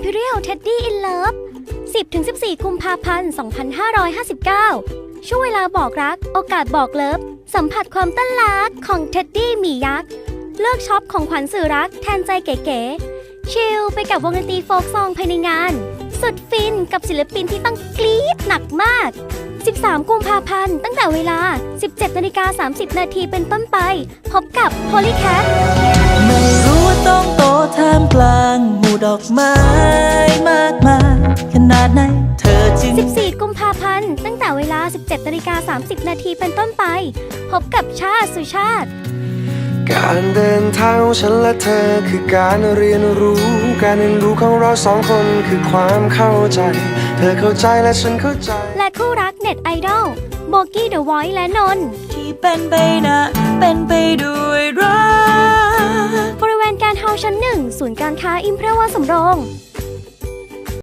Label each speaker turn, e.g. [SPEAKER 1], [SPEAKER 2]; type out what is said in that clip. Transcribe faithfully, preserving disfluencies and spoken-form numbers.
[SPEAKER 1] Imperial Teddy in Love สิบถึงสิบสี่ กุมภาพันธ์ สองพันห้าร้อยห้าสิบเก้า ช่วงเวลาบอกรัก โอกาสบอกเลิฟ สัมผัสความต้นรักของเท็ดดี้หมียักษ์ เลือกช็อปของขวัญสื่อรักแทนใจเก๋ๆ ชิลไปกับวงดนตรีโฟล์กซองภายในงาน สุดฟินกับศิลปินที่ต้องกรี๊ดหนักมาก สิบสาม กุมภาพันธ์ ตั้งแต่เวลา สิบเจ็ดนาฬิกาสามสิบนาทีเป็นต้นไป พบกับ Polycat
[SPEAKER 2] ไม่รู้ว่าต้องโตท่ามกลางหมู่ดอกไม้มากมายขนาดไหนเธอจึง
[SPEAKER 1] สิบสี่ กุมภาพันธ์ ตั้งแต่เวลา สิบเจ็ดนาฬิกาสามสิบนาทีเป็นต้นไป พบกับชาติสุชาติ
[SPEAKER 3] การเดินทางของฉันและเธอคือการเรียนรู้ การเรียนรู้ของเราสองคนคือความเข้าใจ เธอเข้าใจและฉันเข้าใจ
[SPEAKER 1] และคู่รักเน็ตไอดอลโบกี้เดอะวอยซ์และนนท์
[SPEAKER 2] ที่เป็นไปนะเป็นไปด้วยรัก
[SPEAKER 1] บริเวณการเฮาชั้นหนึ่งศูนย์การค้าอิมเพรวาสำโรง